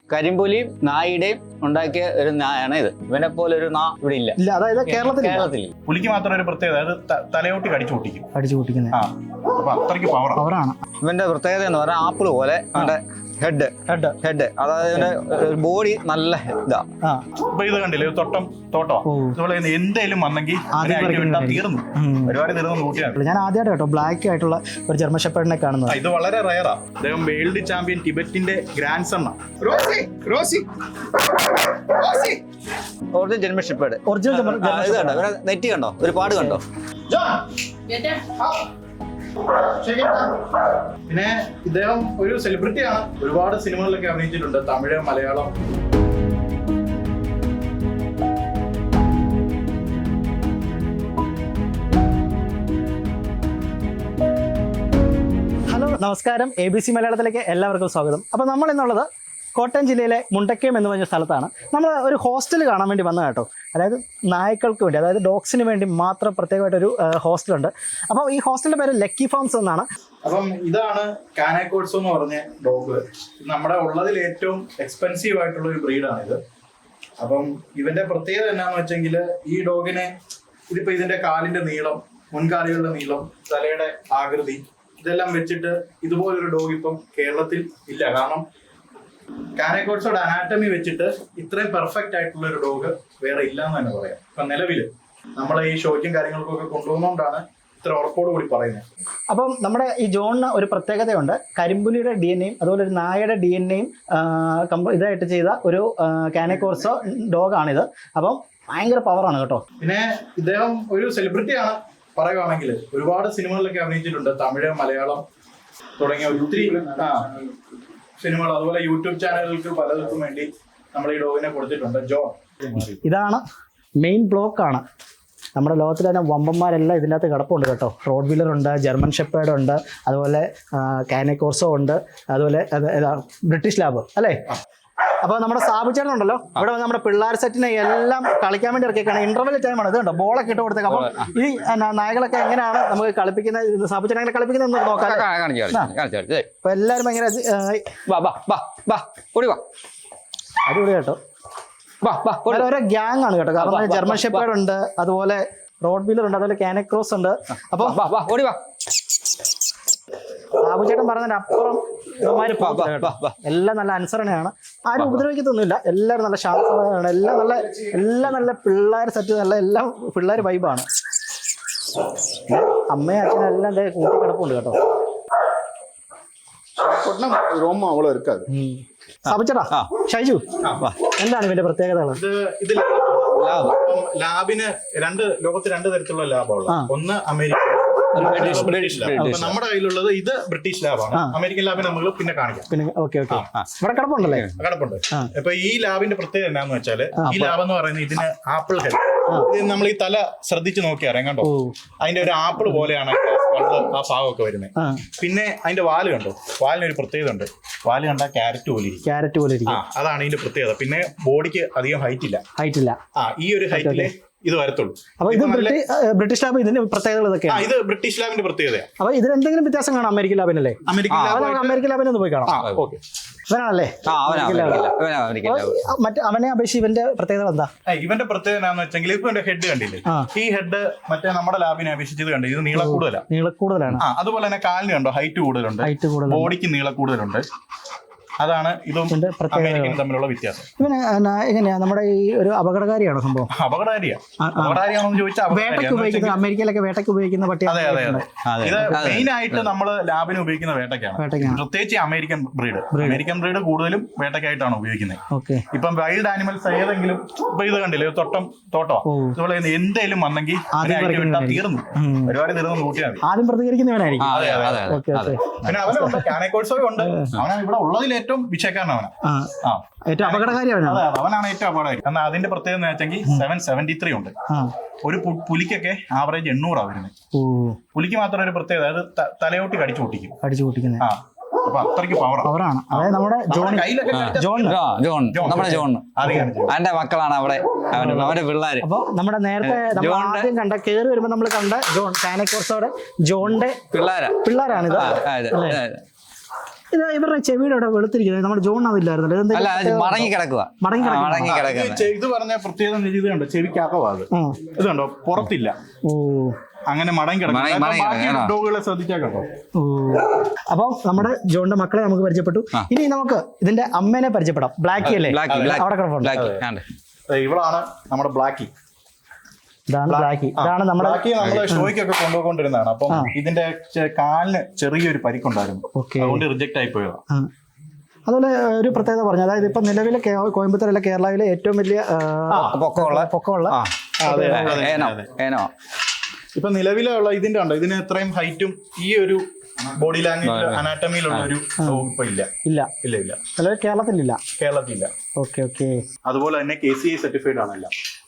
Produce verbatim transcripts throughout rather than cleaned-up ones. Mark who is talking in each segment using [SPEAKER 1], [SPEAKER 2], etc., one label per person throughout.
[SPEAKER 1] കരിമ്പുലിയും നായിയുടെയും ഉണ്ടാക്കിയ ഒരു നായാണ് ഇത്. ഇവനെ പോലെ ഒരു നാ ഇവിടെ ഇല്ല.
[SPEAKER 2] ഇല്ല, അതായത് കേരളത്തിൽ
[SPEAKER 1] കേരളത്തിൽ
[SPEAKER 3] പുലിക്ക് മാത്രം ഒരു പ്രത്യേകത, അത് തലയോട്ടി കടിച്ചു പൊട്ടിക്കും.
[SPEAKER 2] അടിച്ചു പൊട്ടിക്കുന്നത്
[SPEAKER 3] അപ്പൊ അത്രയ്ക്ക് പവർ
[SPEAKER 2] പവറാണ്.
[SPEAKER 1] ഇവന്റെ പ്രത്യേകത എന്ന് പറഞ്ഞാൽ ആപ്പിള് പോലെ ഹെഡ് ഹെഡ് ഹെഡ് അതായത് ബോഡി നല്ല ഇതാ.
[SPEAKER 3] അപ്പൊ ഇത് കണ്ടില്ലേ, തൊട്ടം തോട്ടോ ഇതുപോലെ എന്തേലും വന്നെങ്കിൽ തീർന്നു, ഒരുപാട് തീർന്നു നോക്കിയാണ്.
[SPEAKER 2] ഞാൻ ആദ്യമായിട്ട് കേട്ടോ ബ്ലാക്ക് ആയിട്ടുള്ള ഒരു ജർമ്മൻ ഷെപ്പേർഡിനെ കാണുന്നത്.
[SPEAKER 3] ഇത് വളരെ റയറാ. അദ്ദേഹം വേൾഡ് ചാമ്പ്യൻ ടിബറ്റിന്റെ ഗ്രാൻഡ് സൺ ആണ്.
[SPEAKER 1] Original German shepherd.
[SPEAKER 2] ഒറിജിനൽ
[SPEAKER 1] ഇത് കണ്ടോ, ഇവരെ നെറ്റി കണ്ടോ, ഒരു പാട് കണ്ടോ.
[SPEAKER 3] പിന്നെ ഇദ്ദേഹം ഒരു സെലിബ്രിറ്റിയാണ്. ഒരുപാട് സിനിമകളിലൊക്കെ അഭിനയിച്ചിട്ടുണ്ട്, തമിഴ്, മലയാളം.
[SPEAKER 2] ഹലോ, നമസ്കാരം. എ ബി സി മലയാളത്തിലേക്ക് എല്ലാവർക്കും സ്വാഗതം. അപ്പോൾ നമ്മൾ എന്നുള്ളത് കോട്ടയം ജില്ലയിലെ മുണ്ടക്കയം എന്ന് പറഞ്ഞ സ്ഥലത്താണ്. നമ്മൾ ഒരു ഹോസ്റ്റൽ കാണാൻ വേണ്ടി വന്നത് കേട്ടോ. അതായത് നായ്ക്കൾക്ക് വേണ്ടി, അതായത് ഡോഗ്സിന് വേണ്ടി മാത്രം പ്രത്യേകമായിട്ടൊരു ഹോസ്റ്റലുണ്ട്. അപ്പോൾ ഈ ഹോസ്റ്റലിന്റെ പേര് ലക്കി ഫാംസ് എന്നാണ്.
[SPEAKER 3] അപ്പം ഇതാണ് കാനക്കോട്സോ എന്ന് പറഞ്ഞ ഡോഗ്. നമ്മുടെ ഉള്ളതിൽ ഏറ്റവും എക്സ്പെൻസീവ് ആയിട്ടുള്ള ഒരു ബ്രീഡാണ് ഇത്. അപ്പം ഇവന്റെ പ്രത്യേകത എന്നാന്ന് വെച്ചെങ്കിൽ, ഈ ഡോഗിനെ ഇതിപ്പോ ഇതിന്റെ കാലിന്റെ നീളം, മുൻകാലുകളുടെ നീളം, തലയുടെ ആകൃതി, ഇതെല്ലാം വെച്ചിട്ട് ഇതുപോലൊരു ഡോഗ് ഇപ്പം കേരളത്തിൽ ഇല്ല. കാരണം കാനക്കോട്സോയുടെ അനാറ്റമി വെച്ചിട്ട് ഇത്രയും പെർഫെക്റ്റ് ആയിട്ടുള്ള ഒരു ഡോഗ് വേറെ ഇല്ല എന്ന് തന്നെ പറയാം. ഇപ്പൊ നിലവില് നമ്മളെ ഈ ഷോയ്ക്കും കാര്യങ്ങൾക്കൊക്കെ കൊണ്ടുപോകുന്നോണ്ടാണ് ഇത്ര ഉറപ്പോട് കൂടി പറയുന്നത്.
[SPEAKER 2] അപ്പം നമ്മുടെ ഈ ജോണിന് ഒരു പ്രത്യേകതയുണ്ട്. കരിമ്പുലിയുടെ ഡി എൻ എയും അതുപോലെ ഒരു നായയുടെ ഡി എൻ എയും ഇതായിട്ട് ചെയ്ത ഒരു കാനക്കോട്സോ ഡോഗാണിത്. അപ്പം ഭയങ്കര പവറാണ് കേട്ടോ.
[SPEAKER 3] പിന്നെ ഇദ്ദേഹം ഒരു സെലിബ്രിറ്റിയാണ് പറയുവാണെങ്കിൽ. ഒരുപാട് സിനിമകളിലൊക്കെ അഭിനയിച്ചിട്ടുണ്ട്, തമിഴ്, മലയാളം തുടങ്ങിയ ഒത്തിരി സിനിമകൾ. അതുപോലെ യൂട്യൂബ് ചാനലുകൾക്ക് പലർക്കും വേണ്ടി നമ്മൾ ഈ ഡോഗിനെ കൊടുത്തിട്ടുണ്ട്. ജോൺ
[SPEAKER 2] ഇതാണ് മെയിൻ ബ്ലോക്കാണ്. നമ്മുടെ ലോകത്തിൽ തന്നെ വമ്പന്മാരെല്ലാം ഇതിൻ്റെ അകത്ത് കിടപ്പുണ്ട് കേട്ടോ. റോഡ് വീലർ ഉണ്ട്, ജർമ്മൻ ഷെപ്പേർഡ് ഉണ്ട്, അതുപോലെ കാനക്കോർസോ ഉണ്ട്, അതുപോലെ ബ്രിട്ടീഷ് ലാബ് അല്ലേ. അപ്പോൾ നമ്മുടെ സാബു ചേട്ടൻ ഉണ്ടല്ലോ, ഇവിടെ വന്ന് നമ്മുടെ പിള്ളേർ സെറ്റിനെ എല്ലാം കളിക്കാൻ വേണ്ടി ഇറക്കിയേക്കാണ്. ഇന്റർവെൽ ടൈമാണ്. ഇത് കണ്ടോ, ബോളൊക്കെ ഇട്ട് കൊടുത്തേക്ക്. അപ്പം ഈ നായകളൊക്കെ എങ്ങനെയാണ് നമുക്ക് കളിപ്പിക്കുന്നത്, സാബു ചേട്ടൻ എങ്ങനെ കളിപ്പിക്കുന്നത് എന്ന് നോക്കാം. അപ്പൊ എല്ലാവരും ഭയങ്കര അടിപൊളി കേട്ടോ. ഓരോ ഗ്യാങ് ആണ് കേട്ടോ. കാരണം ജർമ്മൻ ഷെപ്പേർഡ് ഉണ്ട്, അതുപോലെ റോഡ് വീലർ ഉണ്ട്, അതുപോലെ കാനക്രോസ് ഉണ്ട്. അപ്പൊ സാബുചേട്ടൻ പറഞ്ഞതിന്റെ അപ്പുറം എല്ലാം നല്ല അനുസരണയാണ്. ആരും ഉപദ്രവിക്കത്തൊന്നുമില്ല. എല്ലാവരും നല്ല ശാന്തമാണ്. എല്ലാം നല്ല എല്ലാം നല്ല പിള്ളേർ സെറ്റ്, നല്ല എല്ലാം പിള്ളേർ വൈബാണ്. അമ്മയും അച്ഛനും എല്ലാം കൂട്ടി കിടപ്പുണ്ട് കേട്ടോ. സാബുചേട്ടാ, ഷൈജു, എന്താണ് ഇവന്റെ പ്രത്യേകതകൾ?
[SPEAKER 3] ഇത് ലാബിന് രണ്ട് ലോകത്ത് രണ്ട് തരത്തിലുള്ള ലാബുള്ള, ഒന്ന് അമേരിക്ക, ബ്രിട്ടീഷ് ലാബ്. അപ്പൊ നമ്മുടെ കയ്യിലുള്ളത് ഇത് ബ്രിട്ടീഷ് ലാബാണ്. അമേരിക്കൻ ലാബിന് നമ്മൾ പിന്നെ കാണിക്കാം.
[SPEAKER 2] പിന്നെ ഓക്കെ ഓക്കെ ഇവിടെ കിടപ്പുണ്ടല്ലേ?
[SPEAKER 3] കിടപ്പുണ്ട്. അപ്പൊ ഈ ലാബിന്റെ പ്രത്യേകത എന്താന്ന് വെച്ചാല്, ഈ ലാബ് എന്ന് പറയുന്നത് ഇതിന് ആപ്പിൾ ഹെഡ്. ഇത് നമ്മൾ ഈ തല ശ്രദ്ധിച്ച് നോക്കി അറിയാം കണ്ടോ, അതിന്റെ ഒരു ആപ്പിൾ പോലെയാണ് ആ ഭാഗമൊക്കെ വരുന്നത്. പിന്നെ അതിന്റെ വാല് കണ്ടോ, വാലിനൊരു പ്രത്യേകത ഉണ്ട്. വാല് കണ്ടാ ക്യാരറ്റ് പോലെ ഇരിക്കും.
[SPEAKER 2] ക്യാരറ്റ് പോലെ ഇരിക്കും.
[SPEAKER 3] അതാണ് ഇതിന്റെ പ്രത്യേകത. പിന്നെ ബോഡിക്ക് അധികം ഹൈറ്റ് ഇല്ല.
[SPEAKER 2] ഹൈറ്റ് ഇല്ല. ആ
[SPEAKER 3] ഈ ഒരു ഹൈറ്റില് ഇത് വരത്തുള്ളൂ.
[SPEAKER 2] അപ്പൊ ഇത് ബ്രിട്ടീഷ് ലാബ്, ഇതിന്റെ പ്രത്യേകതകൾ ഇതൊക്കെയാണ്.
[SPEAKER 3] ഇത് ബ്രിട്ടീഷ് ലാബിന്റെ പ്രത്യേകതയാണ്.
[SPEAKER 2] അപ്പൊ ഇതിന് എന്തെങ്കിലും വ്യത്യാസം കാണാം അമേരിക്കൻ ലാബിനല്ലേ?
[SPEAKER 3] അമേരിക്കൻ
[SPEAKER 2] അമേരിക്കൻ ലാബിനെ ഒന്ന് പോയി കാണാം. ഇവനാണല്ലേ മറ്റേ അവനെ അപേക്ഷിച്ച് ഇവന്റെ പ്രത്യേകത എന്താ?
[SPEAKER 3] ഇവന്റെ പ്രത്യേകത എന്താണെന്ന് വെച്ചെങ്കിൽ, ഇപ്പൊ എന്റെ ഹെഡ് കണ്ടില്ലേ, ഈ ഹെഡ് മറ്റേ നമ്മുടെ ലാബിനെ അപേക്ഷിച്ച് ഇത് കണ്ടു, ഇത് നീള കൂടുതലാണ്.
[SPEAKER 2] നീള കൂടുതലാണ്.
[SPEAKER 3] അതുപോലെ തന്നെ കാലിന് കണ്ടോ, ഹൈറ്റ് കൂടുതലുണ്ട്, ബോഡിക്ക് നീള കൂടുതലുണ്ട്. അതാണ് ഇതും അമേരിക്കനും തമ്മിലുള്ള വ്യത്യാസം.
[SPEAKER 2] ഇവന് എങ്ങനെയാ, നമ്മുടെ ഈ ഒരു അപകടകാരിയാണോ സംഭവം?
[SPEAKER 3] അപകടകാരിയാ. അപകടകാരിയാണെന്ന് ചോദിച്ചാൽ
[SPEAKER 2] വേട്ടയ്ക്ക് ഉപയോഗിക്കുന്ന, അമേരിക്കയിലൊക്കെ വേട്ടയ്ക്ക് ഉപയോഗിക്കുന്ന പട്ടിയാണ്.
[SPEAKER 3] അതെ അതെ അതെ. ഇത് മെയിൻ ആയിട്ട് നമ്മള് ലാബിന് ഉപയോഗിക്കുന്ന വേട്ടയ്ക്കാണ്. പ്രത്യേകിച്ച് അമേരിക്കൻ ബ്രീഡ്. അമേരിക്കൻ ബ്രീഡ് കൂടുതലും വേട്ടയ്ക്കായിട്ടാണ് ഉപയോഗിക്കുന്നത്. ഇപ്പം വൈൽഡ് ആനിമൽസ് ഏതെങ്കിലും, ഇപ്പൊ ഇത് കണ്ടില്ലേ, തൊട്ടം തോട്ടോ ഇതുപോലെ എന്തേലും വന്നെങ്കിൽ തീർന്നു, ഒരുപാട് തീർന്നു നോക്കിയാൽ മതി.
[SPEAKER 2] ആദ്യം പ്രതികരിക്കുന്നവനായിരിക്കും.
[SPEAKER 3] പിന്നെ അവനുണ്ട്, കാനക്കോട്സോ ഉണ്ട്. അവനാണ് ഇവിടെ ഉള്ളതിൽ ഏറ്റവും വിഷയക്കാരനാണ്.
[SPEAKER 2] ഏറ്റവും അപകടകാരിയാണ്.
[SPEAKER 3] അവനാണ് ഏറ്റവും അപകടകാരി. എന്നാൽ അതിന്റെ പ്രത്യേകത എന്ന് വെച്ചെങ്കിൽ സെവൻ സെവന്റി ത്രീ ഉണ്ട്. ഒരു പുലിക്കൊക്കെ ആവറേജ് എണ്ണൂറാ വരുന്നത്. പുലിക്ക് മാത്രം ഒരു പ്രത്യേകത, അത് തലയോട്ടി കടിച്ചു പൊട്ടിക്കും.
[SPEAKER 2] കടിച്ചു പൊട്ടിക്കുന്നത്.
[SPEAKER 3] അപ്പൊ അത്രയ്ക്ക് പവറാണ്.
[SPEAKER 2] അതായത് നമ്മുടെ
[SPEAKER 1] അവന്റെ മക്കളാണ് അവിടെ, അവന്റെ പിള്ളേര്.
[SPEAKER 2] അപ്പൊ നമ്മുടെ നേരത്തെ ആദ്യം കണ്ട കേറി വരുമ്പോ നമ്മൾ കണ്ട ജോൺ, കാനക്കോർസോടെ ജോണിന്റെ
[SPEAKER 1] പിള്ളേരാ
[SPEAKER 2] പിള്ളേരാണിത്. ഇത് ഇവരുടെ ചെവിയുടെ അവിടെ വെളുത്തിരിക്കുന്നത് നമ്മുടെ ജോൺ അതില്ലായിരുന്നല്ലോ
[SPEAKER 1] അല്ല അത് മടങ്ങി കിടക്കുക
[SPEAKER 2] മടങ്ങി കിടക്കുക.
[SPEAKER 1] മടങ്ങി കിടക്കുക
[SPEAKER 3] ഇത് ഇത് പറഞ്ഞ പ്രത്യേകത ഇത് കണ്ടോ ചെവിക്കകവാത് ഇത് കണ്ടോ പുറത്തില്ല.
[SPEAKER 2] ഓ
[SPEAKER 3] അങ്ങനെ മടങ്ങി
[SPEAKER 1] മടങ്ങി- മടങ്ങി
[SPEAKER 3] കിടക്കും.
[SPEAKER 1] കിടക്കണം.
[SPEAKER 3] ഡോഗുകളെ ശ്രദ്ധിച്ചാൽ കേട്ടോ.
[SPEAKER 2] ഓ അപ്പം നമ്മുടെ ജോണിന്റെ മക്കളെ നമുക്ക് പരിചയപ്പെട്ടു. ഇനി നമുക്ക് ഇതിന്റെ അമ്മേനെ പരിചയപ്പെടാം. ബ്ലാക്കി അല്ലേ?
[SPEAKER 1] ബ്ലാക്കി
[SPEAKER 2] അവിടെ കിടപ്പുണ്ട്.
[SPEAKER 1] ബ്ലാക്കി ആണ്ട്.
[SPEAKER 3] ഇവളാണ് നമ്മുടെ ബ്ലാക്കി.
[SPEAKER 2] ഇതാണ് ബ്ലാക്കി. ഇതാണ് നമ്മുടെ
[SPEAKER 3] ബ്ലാക്കി നമ്മള് ഷോയ്ക്കൊക്കെ കൊണ്ടുപോയിക്കൊണ്ടിരുന്നതാണ്. അപ്പം ഇതിന്റെ ചെ- കാലിന് ചെറിയൊരു പരിക്കുണ്ടായിരുന്നു.
[SPEAKER 2] ഓക്കെ.
[SPEAKER 3] അതുകൊണ്ട് റിജക്ട് ആയി പോയതാ.
[SPEAKER 2] ആ. അതുപോലെ ഒരു പ്രത്യേകത പറഞ്ഞു, അതായത് ഇപ്പൊ നിലവിലെ കേ- കോയമ്പത്തൂരല്ല കേരളയിലെ ഏറ്റവും വലിയ ആ,
[SPEAKER 1] പൊക്കമുള്ള
[SPEAKER 2] പൊക്കമുള്ള
[SPEAKER 1] ആ
[SPEAKER 3] അതെ, അതെ,
[SPEAKER 1] ഏനോ
[SPEAKER 3] അതെ.
[SPEAKER 1] ഏനോ
[SPEAKER 3] ഇപ്പൊ നിലവിലുള്ള ഇതിന്റെ ഉണ്ടോ ഇതിന് എത്രയും ഹൈറ്റും ഈ ഒരു ബോഡി ലാംഗ്വേജ് അനാറ്റമിയിലുള്ള ഒരു dog ഇപ്പൊ ഇല്ല
[SPEAKER 2] ഇല്ല
[SPEAKER 3] ഇല്ല ഇല്ല
[SPEAKER 2] നിലവിൽ കേരളത്തിലില്ല.
[SPEAKER 3] കേരളത്തിലില്ല.
[SPEAKER 2] Okay okay.
[SPEAKER 3] അതുപോലെ തന്നെ കെ സി ഐ സർട്ടിഫൈഡ് ആണല്ല.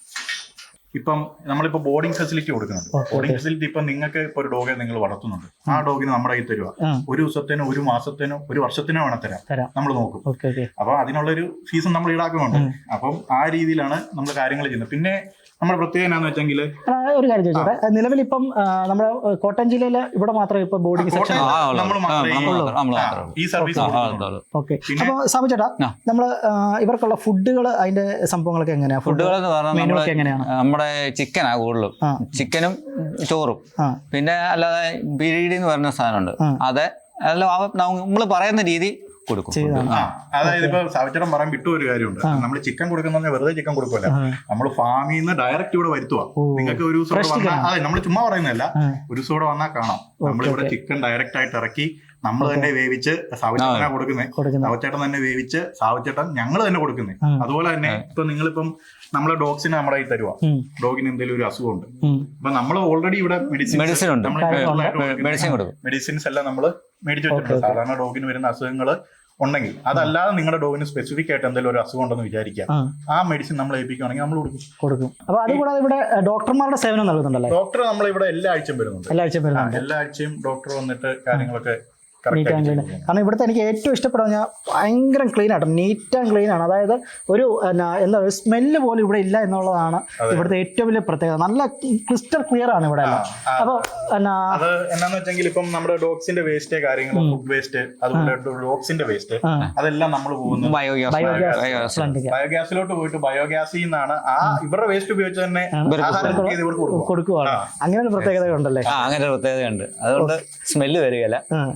[SPEAKER 3] ഇപ്പം നമ്മളിപ്പോ ബോർഡിംഗ് ഫെസിലിറ്റി കൊടുക്കുന്നുണ്ട്. ബോർഡിംഗ് ഫെസിലിറ്റി ഇപ്പൊ നിങ്ങൾക്ക് ഇപ്പൊ ഒരു ഡോഗെ നിങ്ങൾ വളർത്തുന്നുണ്ട്, ആ ഡോഗിന് നമ്മുടെ കയ്യിൽ തരുക. ഒരു ദിവസത്തിനോ ഒരു മാസത്തിനോ ഒരു വർഷത്തിനോ വേണം തരാം,
[SPEAKER 2] തരാം.
[SPEAKER 3] നമ്മൾ നോക്കും.
[SPEAKER 2] Okay okay.
[SPEAKER 3] അപ്പൊ അതിനുള്ളൊരു ഫീസും നമ്മൾ ഈടാക്കുന്നുണ്ട്. അപ്പം ആ രീതിയിലാണ് നമ്മൾ കാര്യങ്ങൾ ചെയ്യുന്നത്. പിന്നെ നമ്മുടെ പ്രത്യേകത എന്നാന്ന് വെച്ചെങ്കിൽ
[SPEAKER 2] ആ, ഒരു കാര്യം ചോദിച്ചോട്ടെ, നിലവിൽ ഇപ്പം ആ, നമ്മുടെ കോട്ടയം ജില്ലയിലെ ഇവിടെ മാത്രമേ ഇപ്പൊ ബോർഡിംഗ് സെക്ഷൻ
[SPEAKER 1] ആ, ഉള്ളു.
[SPEAKER 3] നമ്മൾ
[SPEAKER 1] ആ,
[SPEAKER 3] മാത്രമേ
[SPEAKER 1] നമ്മൾ
[SPEAKER 3] ഈ-
[SPEAKER 1] മാത്രം- നമ്മൾ
[SPEAKER 3] ആ,
[SPEAKER 1] മാത്രമേ ഉള്ളൂ.
[SPEAKER 3] ഈ സർവീസ്
[SPEAKER 1] ആ,
[SPEAKER 3] കൊടുക്കുന്നുള്ളൂ.
[SPEAKER 1] അതുള്ളൂ.
[SPEAKER 2] ഓക്കെ.
[SPEAKER 3] പിന്നെ-
[SPEAKER 2] അപ്പൊ സാബു ചേട്ടാ,
[SPEAKER 1] ആ.
[SPEAKER 2] നമ്മള് ആ, ഇവർക്കുള്ള ഫുഡുകൾ അതിന്റെ സംഭവങ്ങളൊക്കെ എങ്ങനെയാ?
[SPEAKER 1] ഫുഡുകൾ എന്ന് പറഞ്ഞാൽ
[SPEAKER 2] മെനു
[SPEAKER 1] നമ്മള്
[SPEAKER 2] ഒക്കെ എങ്ങനെയാണ്?
[SPEAKER 1] നമ്മുടെ ചിക്കനാ കൂടുതലും.
[SPEAKER 2] ആ.
[SPEAKER 1] ചിക്കനും ചോറും
[SPEAKER 2] ആ
[SPEAKER 1] പിന്നെ അല്ലാതെ ബിരിയാണി എന്ന് പറയുന്ന സാധനമുണ്ട്.
[SPEAKER 2] ആ.
[SPEAKER 1] അത് അല്ല നമ്മൾ പറയുന്ന രീതി കൊടുക്കും.
[SPEAKER 2] ചെയ്തതാണ്.
[SPEAKER 3] ആ, അതായത് ഇപ്പൊ സാവിച്ചേട്ടൻ പറയാൻ വിട്ടു ഒരു കാര്യമുണ്ട്. നമ്മൾ ചിക്കൻ കൊടുക്കുന്ന വെറുതെ ചിക്കൻ കൊടുക്കില്ല, നമ്മൾ ഫാമിൽ നിന്ന് ഡയറക്റ്റ് ഇവിടെ വരുത്തുക. നിങ്ങൾക്ക് ഒരു ദിവസം ഇവിടെ വന്നാൽ, അതെ നമ്മൾ ചുമ്മാ പറയുന്നതല്ല, ഒരു ദിവസം ഇവിടെ വന്നാൽ കാണാം. നമ്മളിവിടെ ചിക്കൻ ഡയറക്റ്റ് ആയിട്ട് ഇറക്കി നമ്മൾ തന്നെ വേവിച്ച് സാവിച്ചേട്ടനാ കൊടുക്കുന്നത്. സാവിച്ചേട്ടൻ തന്നെ വേവിച്ച് സാവിച്ചേട്ടൻ ഞങ്ങൾ തന്നെ കൊടുക്കുന്നത്. അതുപോലെ തന്നെ ഇപ്പൊ നിങ്ങളിപ്പം നമ്മളെ ഡോഗ്സിനെ നമ്മുടെ കയ്യിൽ തരുക. ഡോഗിന് എന്തെങ്കിലും ഒരു അസുഖമുണ്ട്, അപ്പൊ നമ്മൾ ഓൾറെഡി ഇവിടെ മെഡിസിൻ
[SPEAKER 1] മെഡിസിൻ ഉണ്ട്. മെഡിസിൻ കൊടുക്കും.
[SPEAKER 3] മെഡിസിൻസ് എല്ലാം നമ്മൾ മേടിച്ചു വെച്ചിട്ടുണ്ട്. സാധാരണ ഡോഗിന് വരുന്ന അസുഖങ്ങൾ ഉണ്ടെങ്കിൽ, അതല്ലാതെ നിങ്ങളുടെ ഡോഗിന് സ്പെസിഫിക് ആയിട്ട് എന്തെങ്കിലും ഒരു അസുഖം ഉണ്ടെന്ന് വിചാരിക്കുക, ആ മെഡിസിൻ നമ്മൾ ഏൽപ്പിക്കുകയാണെങ്കിൽ നമ്മൾ കൊടുക്കും
[SPEAKER 2] കൊടുക്കും. അപ്പൊ അതുകൂടാതെ ഇവിടെ ഡോക്ടർമാരുടെ സേവനം നൽകുന്നുണ്ടല്ലേ?
[SPEAKER 3] ഡോക്ടർ നമ്മൾ ഇവിടെ എല്ലാ ആഴ്ചയും വരുന്നുണ്ട്.
[SPEAKER 2] എല്ലാ ആഴ്ചയും
[SPEAKER 3] ആ,
[SPEAKER 2] വരുന്നുണ്ട്.
[SPEAKER 3] എല്ലാ ആഴ്ചയും ഡോക്ടർ വന്നിട്ട് കാര്യങ്ങളൊക്കെ
[SPEAKER 2] നീറ്റ് ആൻഡ് ക്ലീൻ. കാരണം ഇവിടുത്തെ എനിക്ക് ഏറ്റവും ഇഷ്ടപ്പെടുക പറഞ്ഞാൽ ഭയങ്കര ക്ലീൻ ആട്ടോ, നീറ്റ് ആൻഡ് ക്ലീൻ ആണ്. അതായത് ഒരു എന്നാ എന്താ ഒരു സ്മെല്ല് പോലും ഇവിടെ ഇല്ല എന്നുള്ളതാണ് ഇവിടുത്തെ ഏറ്റവും വലിയ പ്രത്യേകത. നല്ല ക്രിസ്റ്റൽ ക്ലിയർ ആണ് ഇവിടെ എല്ലാം. അപ്പൊ എന്നാ
[SPEAKER 3] അത് എന്നാന്ന് വെച്ചെങ്കിൽ ഇപ്പം നമ്മുടെ ഡോഗ്സിന്റെ വേസ്റ്റ് കാര്യങ്ങൾ, ഫുഡ് വേസ്റ്റ്, അതുപോലെ ഡോഗ്സിന്റെ വേസ്റ്റ്, അതെല്ലാം നമ്മൾ പോകുന്നത്
[SPEAKER 1] ബയോഗ്യാസ് ബയോഗ്യാസ്
[SPEAKER 3] ബയോഗ്യാസിലോട്ട് പോയിട്ട് ബയോഗ്യാസിൽ നിന്നാണ് ആ ഇവരുടെ വേസ്റ്റ് ഉപയോഗിച്ച് തന്നെ ആഹാരം cook ചെയ്ത് ഇവർക്ക് കൊടുക്കുക.
[SPEAKER 2] കൊടുക്കുവാണ്. അങ്ങനെ ഒരു പ്രത്യേകത ഉണ്ടല്ലേ?
[SPEAKER 1] ആ അങ്ങനെ ഒരു പ്രത്യേകതയുണ്ട്. അതുകൊണ്ട് സ്മെല്ല് വരികയില്ല.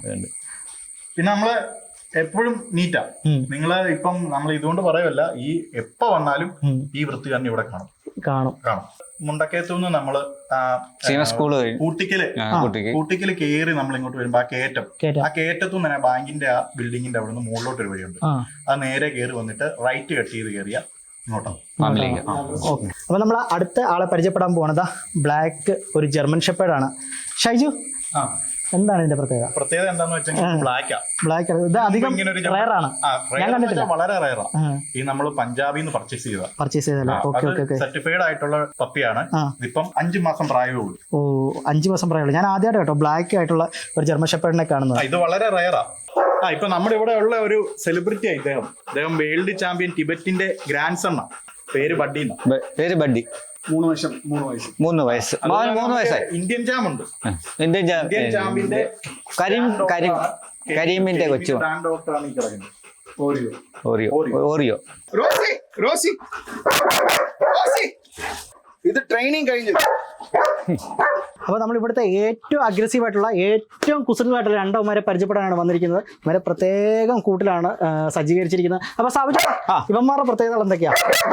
[SPEAKER 3] പിന്നെ നമ്മള് എപ്പോഴും നീറ്റാ. നിങ്ങള് ഇപ്പം നമ്മൾ ഇതുകൊണ്ട് പറയുമല്ല, ഈ എപ്പ വന്നാലും ഈ വൃത്തി തന്നെ ഇവിടെ കാണും
[SPEAKER 2] കാണും
[SPEAKER 3] കാണും മുണ്ടക്കയത്തുനിന്ന് നമ്മള്
[SPEAKER 1] സ്കൂള്
[SPEAKER 3] കൂട്ടിക്കല് കൂട്ടിക്കല് കയറി നമ്മൾ ഇങ്ങോട്ട് വരുമ്പോ ആ കയറ്റം, ആ കയറ്റത്തുനിന്ന് തന്നെ ബാങ്കിന്റെ ആ ബിൽഡിങ്ങിന്റെ അവിടെ നിന്ന് മുകളിലോട്ട് ഒരു വഴിയുണ്ട്. അത് നേരെ കയറി വന്നിട്ട് റൈറ്റ് കട്ട് ചെയ്ത് കയറിയ ഇങ്ങോട്ടാണ്.
[SPEAKER 2] ഓക്കെ. അപ്പൊ നമ്മൾ അടുത്ത ആളെ പരിചയപ്പെടാൻ പോണതാ ബ്ലാക്ക് ഒരു ജർമ്മൻ ഷെപ്പേർഡാണ്. ഷൈജു, എന്താണ് ഇതിന്റെ പ്രത്യേകത?
[SPEAKER 3] പ്രത്യേകത എന്താന്ന് വെച്ചാൽ ബ്ലാക്കാ.
[SPEAKER 2] ബ്ലാക്ക് ഇത് അധികം റയറാണ്, ഞാൻ കണ്ടിട്ടില്ല.
[SPEAKER 3] വളരെ റയറാ. ഈ നമ്മൾ പഞ്ചാബിൽ നിന്ന് പർച്ചേസ് ചെയ്ത
[SPEAKER 2] പർച്ചേസ് ചെയ്തല്ലേ? Okay okay.
[SPEAKER 3] സർട്ടിഫൈഡ് ആയിട്ടുള്ള പപ്പിയാണ്. ഇതിപ്പം അഞ്ചു മാസം പ്രായമേ ഉള്ളൂ.
[SPEAKER 2] ഓ, അഞ്ചു മാസം പ്രായമുള്ളൂ. ഞാൻ ആദ്യമായിട്ട് കേട്ടോ ബ്ലാക്ക് ആയിട്ടുള്ള ഒരു ജർമ്മൻ ഷെപ്പേർഡിനെ കാണുന്നത്.
[SPEAKER 3] ഇത് വളരെ റയറാ. ആ ഇപ്പൊ നമ്മുടെ ഇവിടെ ഉള്ള ഒരു സെലിബ്രിറ്റി ആയി ഇദ്ദേഹം. അദ്ദേഹം വേൾഡ് ചാമ്പ്യൻ ടിബറ്റിന്റെ ഗ്രാൻഡ് സൺ ആണ്. പേര് ബഡ്ഡി.
[SPEAKER 1] പേര് ബഡ്ഡി.
[SPEAKER 3] മൂന്ന് വർഷം മൂന്ന് വയസ്സ്
[SPEAKER 1] മൂന്ന് വയസ്സ് മൂന്ന് വയസ്സായി.
[SPEAKER 3] ഇന്ത്യൻ ചാം ഉണ്ട്.
[SPEAKER 1] ഇന്ത്യൻ
[SPEAKER 3] ഇന്ത്യൻ ചാമ്പ്യന്റെ
[SPEAKER 1] കരീം കരീം കരീമിന്റെ കൊച്ചു
[SPEAKER 3] ഡോക്ടറാണ് ഈ കിടക്കുന്നത്. Oreo
[SPEAKER 1] Oreo Oreo
[SPEAKER 3] Rosie Rosie Rosie ഇത് ട്രെയിനിങ് കഴിഞ്ഞു.
[SPEAKER 2] അപ്പോൾ നമ്മൾ ഇവിടുത്തെ ഏറ്റവും അഗ്രസീവ് ആയിട്ടുള്ള ഏറ്റവും കുസൃതമായിട്ടുള്ള രണ്ടവന്മാരെ പരിചയപ്പെടാനാണ് വന്നിരിക്കുന്നത്. ഇവരെ പ്രത്യേകം കൂട്ടിലാണ് സജ്ജീകരിച്ചിരിക്കുന്നത്. അപ്പൊ സാബിച്ച, ഇവന്മാരുടെ പ്രത്യേകതകൾ എന്തൊക്കെയാ?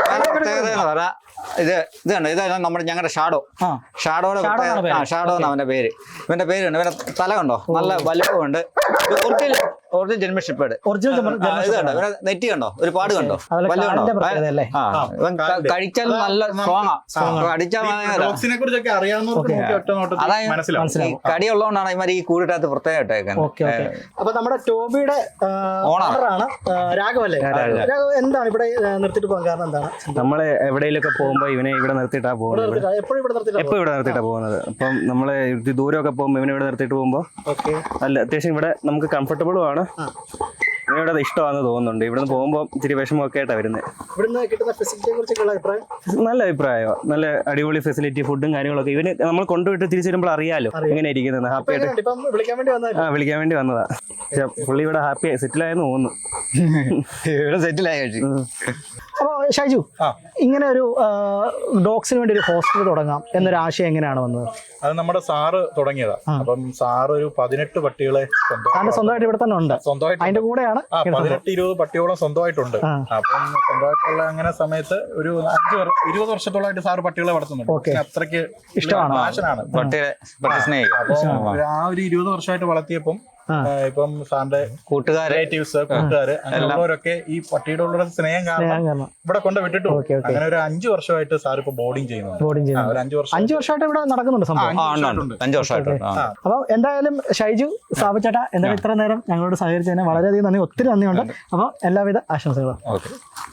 [SPEAKER 1] ഇത് ഇത് കണ്ടോ, ഇതാണ് നമ്മുടെ ഞങ്ങളുടെ ഷാഡോ. ഷാഡോയുടെ ഷാഡോ എന്ന് അവന്റെ പേര്. ഇവന്റെ പേര് കണ്ടോ, ഇവന്റെ തല കണ്ടോ, നല്ല വലുപ്പമുണ്ട്. Original original German shepherd.
[SPEAKER 2] Original
[SPEAKER 1] ഇത് കണ്ടോ, ഇവന്റെ നെറ്റി കണ്ടോ, ഒരു പാട് കണ്ടോ, വലുത് കണ്ടോ. കഴിച്ചാൽ നല്ല സ്ട്രോങ്ങാ. കടിച്ചാൽ കടി ഉള്ളതുകൊണ്ടാണ് ഇവർ ഈ കൂടിട്ടകത്ത് പ്രത്യേകം.
[SPEAKER 2] അപ്പൊ നമ്മുടെ ടോബിയുടെ ഓണറാണ് രാഘവല്ലേ? രാഘവ്, എന്താണ് ഇവിടെ നിർത്തിട്ട് പോകാൻ കാരണം? എന്താണ്?
[SPEAKER 4] നമ്മള് എവിടെയെങ്കിലൊക്കെ പോകുമ്പോ ഇവനെ ഇവിടെ നിർത്തിയിട്ടാ പോകുന്നത്.
[SPEAKER 2] എപ്പോഴും ഇവിടെ നിർത്തിയിട്ടാ
[SPEAKER 4] എപ്പോ ഇവിടെ നിർത്തിയിട്ടാ പോകുന്നത്. അപ്പം നമ്മള് ദൂരമൊക്കെ പോകുമ്പോ ഇവനെ ഇവിടെ നിർത്തിയിട്ട് പോകുമ്പോ അല്ല അത്യാവശ്യം ഇവിടെ നമുക്ക് കംഫർട്ടബിളും ആണ്. ഇവന് ഇവിടെ ഇഷ്ടമാണെന്ന് തോന്നുന്നുണ്ട്. ഇവിടുന്ന് പോകുമ്പോൾ ഇച്ചിരി വിഷമമൊക്കെ ആയിട്ടാണ് വരുന്നത്.
[SPEAKER 2] ഇവിടുന്ന് കിട്ടുന്ന ഫെസിലിറ്റിയെ കുറിച്ചൊക്കെയുള്ള അഭിപ്രായം?
[SPEAKER 4] നല്ല അഭിപ്രായമാണ്. നല്ല അടിപൊളി ഫെസിലിറ്റി, ഫുഡും കാര്യങ്ങളൊക്കെ. ഇവന് നമ്മൾ കൊണ്ടുപോയിട്ട് തിരിച്ചു വരുമ്പോൾ അറിയാലോ എങ്ങനെ ഇരിക്കുന്നത്. ഹാപ്പി ആയിട്ട്
[SPEAKER 2] ഇപ്പം വിളിക്കാൻ വേണ്ടി വന്നതല്ലേ?
[SPEAKER 4] ആ വിളിക്കാൻ വേണ്ടി വന്നതാ. പക്ഷെ പുള്ളി ഇവിടെ ഹാപ്പി ആയി സെറ്റിലായെന്ന് തോന്നുന്നു.
[SPEAKER 1] ഇവിടെ സെറ്റിലായി കഴിച്ചു.
[SPEAKER 2] അപ്പോൾ ഷൈജു, ഇങ്ങനെ ഒരു ഡോഗ്സിന് വേണ്ടി ഒരു ഹോസ്റ്റൽ തുടങ്ങാം എന്നൊരു ആശയം എങ്ങനെയാണ് വന്നത്?
[SPEAKER 3] അത് നമ്മുടെ സാറ് തുടങ്ങിയതാ. അപ്പം സാറ് ഒരു പതിനെട്ട് പട്ടികളെ
[SPEAKER 2] അതിന്റെ സ്വന്തമായിട്ട് ഇവിടെ തന്നെ ഉണ്ട്,
[SPEAKER 3] സ്വന്തമായിട്ട്
[SPEAKER 2] അതിന്റെ കൂടെയാണ്
[SPEAKER 3] ആ പതിനെട്ട് ഇരുപത് പട്ടിയോളം സ്വന്തമായിട്ടുണ്ട്. അപ്പം സ്വന്തമായിട്ടുള്ള അങ്ങനെ സമയത്ത് ഒരു അഞ്ച് ഇരുപത് വർഷത്തോളമായിട്ട് സാറ് പട്ടികളെ വളർത്തുന്നുണ്ട്. അത്രയ്ക്ക്
[SPEAKER 2] ഇഷ്ടമാണ്,
[SPEAKER 3] പാഷനാണ്
[SPEAKER 1] പട്ടിയെ പട്ടി സ്നേഹിക്കും.
[SPEAKER 3] അപ്പൊ ആ ഒരു ഇരുപത് വർഷമായിട്ട് വളർത്തിയപ്പം ഇപ്പം സാറിന്റെ
[SPEAKER 1] കൂട്ടുകാരെ
[SPEAKER 3] റിലേറ്റീവ്സ് കൂട്ടുകാര് അങ്ങനെയുള്ളവരൊക്കെ ഈ പട്ടിയുടെ ഉള്ള സ്നേഹം കാരണം ഇവിടെ കൊണ്ട് വിട്ടിട്ടു. അങ്ങനെ ഒരു അഞ്ചു വർഷമായിട്ട് സാർ ഇപ്പൊ ബോർഡിങ് ചെയ്യുന്നുണ്ട്.
[SPEAKER 2] ബോർഡിങ് ചെയ്യുന്നത്
[SPEAKER 3] ഒരു അഞ്ചു വർഷം
[SPEAKER 2] അഞ്ചു വർഷമായിട്ട് ഇവിടെ നടക്കുന്നുണ്ട് സംഭവം.
[SPEAKER 1] അഞ്ചു വർഷമായിട്ട്.
[SPEAKER 2] അപ്പൊ എന്തായാലും ഷൈജു, സാബുചേട്ടാ, എന്തായാലും ഇത്ര നേരം ഞങ്ങളോട് സഹകരിച്ചതിന് വളരെയധികം നന്ദി, ഒത്തിരി നന്ദിയുണ്ട്. അപ്പൊ എല്ലാവിധ ആശംസകളും.
[SPEAKER 1] ഓക്കെ.